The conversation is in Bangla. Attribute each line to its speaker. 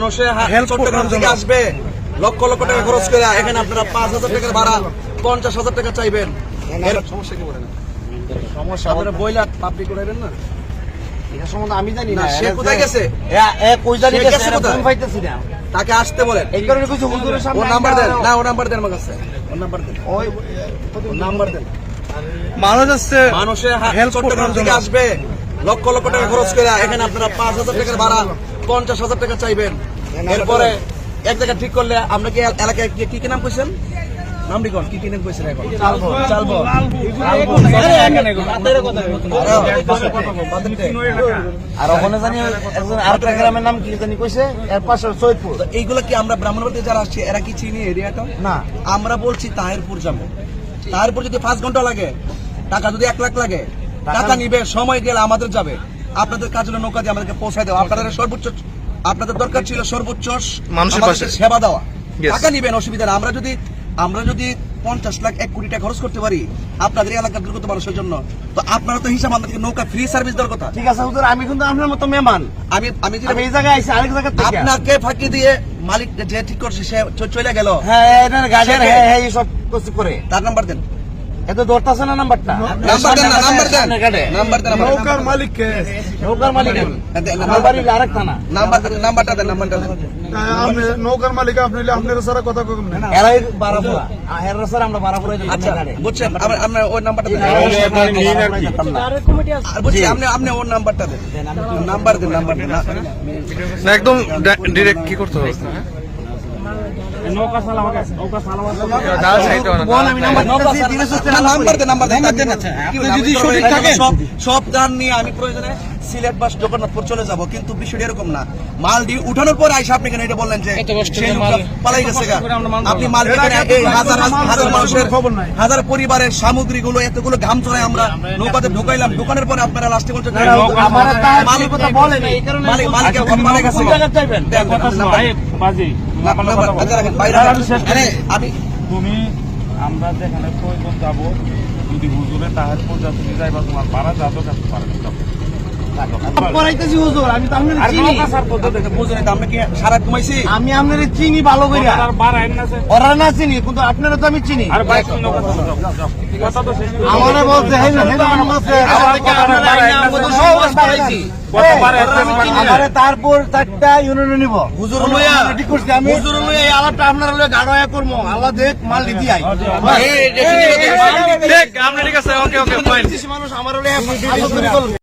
Speaker 1: মানুষের চট্টগ্রাম থেকে আসবে লক্ষ লক্ষ টাকা খরচ করে, এখানে আপনারা 5,000 টাকার ভাড়া 50,000 টাকা চাইবেন। সমস্যা কি বলেন? সমস্যা আপনারা বইলা পাবলিক করাইবেন না,
Speaker 2: এটা সম্বন্ধে আমি জানি না।
Speaker 1: সে কোথায় গেছে?
Speaker 2: কই জানি
Speaker 1: সে
Speaker 2: গেছে,
Speaker 1: গেছে কোথায়?
Speaker 2: ফোন পাইতেছি না।
Speaker 1: তাকে আসতে বলেন।
Speaker 2: এই কারণে কিছু হুজুরের সামনে
Speaker 1: ওর নাম্বার দেন। না, ওর নাম্বার দেন আমার কাছে। ওর নাম্বার দেন।
Speaker 2: ওই
Speaker 1: ওর নাম্বার দেন।
Speaker 3: মানুষ আসছে
Speaker 1: মানুষের
Speaker 3: হেল্প
Speaker 1: চট্টগ্রাম থেকে আসবে লক্ষ লক্ষ টাকা খরচ করে, এখানে আপনারা 5,000 টাকার ভাড়া 50,000 টাকা চাইবেন। এরপরে এক জায়গা ঠিক করলে আমরা কি এলাকায় কি কি নাম কইছেন? নাম লিখন, কি কি নাম কইছেন এখন? চালবো
Speaker 2: আর ওখানে জানি একজন আরেকটা গ্রামের নাম কি জানি কইছে, এর পাশে সৈয়দপুর।
Speaker 1: এইগুলো কি আমরা ব্রাহ্মণবাড়িতে যারা আসছি এরা কি চিনি এরিয়াটা?
Speaker 2: না,
Speaker 1: আমরা বলছি তাহিরপুর যাবো। তাহিরপুর যদি 5 ঘন্টা লাগে, টাকা যদি 1 লাখ লাগে, টাকা নিবে, সময় গেলে আমাদের যাবে। আপনাদের কাজ হলো নৌকা দিয়ে আমাদেরকে পৌঁছায় দেওয়া। আপনাদের সর্বোচ্চ, আপনাদের দরকার ছিল সর্বোচ্চ
Speaker 3: মানুষের পাশে
Speaker 1: সেবা দেওয়া।
Speaker 3: Yes.
Speaker 1: টাকা নিবেন, অসুবিধা না। আমরা যদি 50 লাখ 1 কোটি টাকা খরচ করতে পারি আপনাদের এলাকার দুর্গত মানুষের জন্য, তো আপনারা তো হিসাব আমাদেরকে নৌকা ফ্রি সার্ভিস দেওয়ার কথা।
Speaker 2: ঠিক আছে হুজুর, আমি কিন্তু আপনার মতো মেহমান।
Speaker 1: আমি
Speaker 2: আমি এই জায়গায় আইছি আরেক জায়গা থেকে।
Speaker 1: আপনাকে ফাঁকি দিয়ে মালিক যে ঠিক করছে সে চলে গেল।
Speaker 2: হ্যাঁ, এনার গাড়ির হ্যাঁ এই সব কিছু করে।
Speaker 1: তার নাম্বার দেন।
Speaker 2: এত ধরতাছে না নাম্বারটা।
Speaker 1: নাম্বার দেন না, নাম্বার দেন। নাম্বার দেন।
Speaker 3: নৌকার মালিককে
Speaker 2: নৌকার মালিক আমার বাড়ি আরেক থানা।
Speaker 1: নাম্বারটা দেন, নাম্বারটা দেন।
Speaker 3: আপনি নৌকার মালিক, আপনি আপনার সারা কথা কম না।
Speaker 2: এরাই বারাপুরা, এরা স্যার আমরা বারাপুরা যাই।
Speaker 1: আচ্ছা, বুঝছেন, আপনি ওই নাম্বারটা দেন। আর বলছি আপনি ওর নাম্বারটা দেন। নাম্বার দেন, নাম্বার দেন।
Speaker 3: না, একদম ডিরেক্ট কি করতে হবে?
Speaker 2: নৌকা সালাম আছে, নৌকা সালাম আছে।
Speaker 3: দাদা সাইড না।
Speaker 2: বল আমি নাম্বার দিতেছি, দিনে সুস্থ
Speaker 1: নাম্বার দেন, নাম্বার দেন।
Speaker 2: যদি সঠিক থাকে
Speaker 1: সব দান নিয়ে আমি প্রয়োজনে সিলেট বা জগন্নাথপুর চলে যাব, কিন্তু বিষয়টা এরকম না। মাল দিয়ে উঠানোর পর আইসা আপনি কেন এটা বললেন যে সেই লোকটা পালাই গেছে গা? আপনি মাল কেন এই হাজার হাজার মানুষের, হাজার পরিবারের সামগ্রীগুলো এতগুলো ঘাম চড়ায় আমরা নৌকাতে ঢুকাইলাম, ঢুকানোর পরে আপনারা লাস্টে বলছেন
Speaker 2: আমার মালিক কথা বলেন, এই কারণে
Speaker 1: মালিক গেছে।
Speaker 2: কোন জায়গায় যাবেন?
Speaker 1: আমি
Speaker 4: তুমি আমরা যেখানে প্রয়োজন যাবো, যদি হুজুরে তাহার পর্যন্ত তুমি যাইবা, তোমার পাড়া যাবো কাছে পারে
Speaker 2: পড়াইতেছি হুজুর, আমি তো আপনার চিনি।
Speaker 1: বুঝলেন তো, আমরা কি সারা ঘুমাইছি?
Speaker 2: আমি আপনার চিনি ভালো করে,
Speaker 4: বার আইন আছে।
Speaker 2: ওরা না চিনি, কিন্তু আপনারা তো আমি চিনি।
Speaker 4: আর বাইক নৌকা কথা তো শেষ করে
Speaker 2: আমারে বলছে হেই না আমার বলছে আমারে তারপর 4টা ইউনিয়ন নিব। হুজুর লইয়া ঠিক করছি আমি, হুজুর লইয়া এই আলাপটা আপনারা লইয়া গাড়য়া করব। আল্লাহ দেখ মাল দিদি আই
Speaker 3: ঠিক, আপনি ঠিক আছে। Okay okay fine.
Speaker 2: মানুষ আমার লইয়া